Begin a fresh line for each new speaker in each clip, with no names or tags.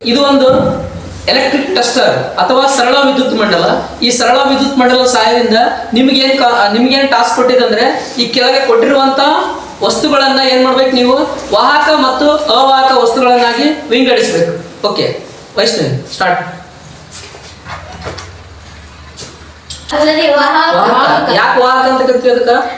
ಇದು ಒಂದು electric tester ಅಥವಾ ಸರಳ ವಿದ್ಯುತ್ ಮಂಡಲ. ಈ ಸರಳ ವಿದ್ಯುತ್ ಮಂಡಲ ಸಹಾಯದಿಂದ ನಿಮಗೇನು ಟಾಸ್ಕ್ ಕೊಟ್ಟಿದೆ ಅಂದ್ರೆ ಈ ಕೆಳಗೆ ಕೊಟ್ಟಿರುವಂತ ವಸ್ತುಗಳನ್ನ ಏನ್ ಮಾಡ್ಬೇಕು ನೀವು ವಾಹಕ ಮತ್ತು ಅವಾಹಕ ವಸ್ತುಗಳನ್ನಾಗಿ ವಿಂಗಡಿಸಬೇಕು. Okay Vaishnavi start. ಯಾಕೆ ವಾಹಕ ಅಂತ ಕರಿತೀವಿ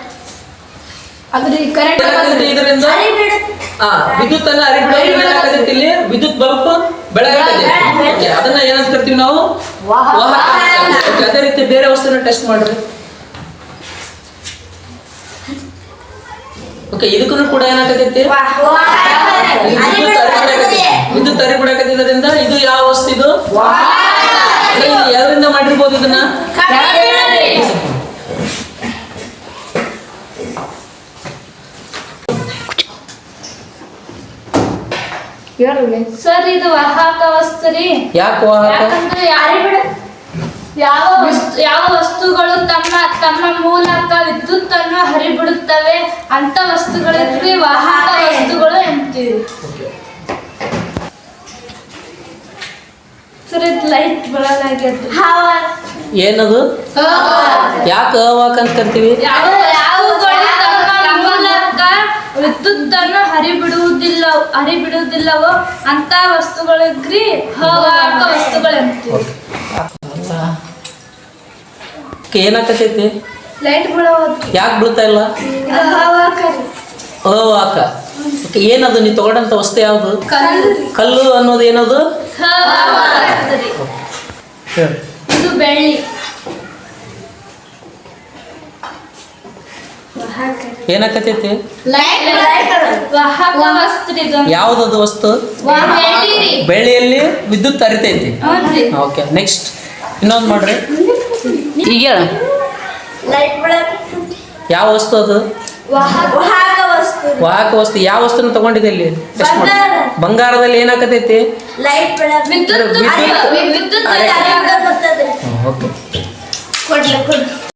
ಅದಕ್ಕೆ? ಇದರಿಂದ ವಿದ್ಯುತ್ ಅನ್ನ ಹರಿಬಿಡೋದ್ರಿಂದ ಇಲ್ಲಿ ವಿದ್ಯುತ್ ಬಲ್ಬ್ ಬೆಳಗಟ್ಟೆ ಅದನ್ನ ಏನಂತ ಕರಿತೀವಿ ನಾವು ವಾಹಕ. ಅದೇ ರೀತಿ ಬೇರೆ ವಸ್ತುನ ಟೆಸ್ಟ್ ಮಾಡ್ರಿ. ಓಕೆ ಇದಕ್ಕೂ ಕೂಡ ಏನಾಗತೈತಿ ವಿದ್ಯುತ್ ಹರಿಬಿಡಕತ್ತಿದ್ರಿಂದ ಇದು ಯಾವ ವಸ್ತು ಇದು ಯಾವ್ದ್ರಿಂದ ಮಾಡಿರ್ಬೋದು ಇದನ್ನ
ಸರ್ ಇದು ವಾಹಕ ವಸ್ತು ರೀ.
ಯಾಕೆ ವಾಹಕ?
ಯಾವ ವಸ್ತುಗಳು ತಮ್ಮ ಮೂಲಕ ವಿದ್ಯುತ್ ಅನ್ನು ಹರಿಬಿಡುತ್ತವೆ ಅಂತ ವಸ್ತುಗಳಿಗೆ ವಾಹಕ ವಸ್ತುಗಳು ಎಂತೀವಿ. ಸರ್ ಇದು ಲೈಟ್ ಬರಲಾಗ್ಯದ
ಏನದು? ಯಾಕೆ ಅವಾಹಕ ಅಂತ ಕರಿತೀವಿ?
ವಿದ್ಯುತ್ ಅನ್ನು ಹರಿಬಿಡುವುದಿಲ್ಲವೋ ಅಂತ ವಸ್ತುಗಳಿಗ್ರಿ ಅವಾಹಕ ವಸ್ತುಗಳು ಎಂತೀವಿ.
ಏನಾಕತೈತಿ?
ಲೈಟ್ ಬೀಳೋದು.
ಯಾಕೆ ಬೀಳ್ತಾ ಇಲ್ಲ? ಅವಾಹಕ. ಏನದು ನೀ ತಗೊಂಡಂತ ವಸ್ತು ಯಾವುದು? ಕಲ್ಲು ಅನ್ನೋದು ಏನದು?
ಇದು ಬೆಳ್ಳಿ.
ಏನಾಕತೈತಿ? ಯಾವ್ದದು ವಸ್ತು? ಬೆಳ್ಳಿಯಲ್ಲಿ ವಿದ್ಯುತ್ ಹರಿತೈತಿ. ಓಕೆ ನೆಕ್ಸ್ಟ್ ಇನ್ನೊಂದು ಮಾಡ್ರಿ. ಈಗ ಯಾವ ವಸ್ತು ಅದು? ವಾಹಕ ವಸ್ತು. ಯಾವ ವಸ್ತುನ ತಗೊಂಡಿದೆ ಇಲ್ಲಿ? ಬಂಗಾರದಲ್ಲಿ ಏನಾಕತೈತಿ?
ವಿದ್ಯುತ್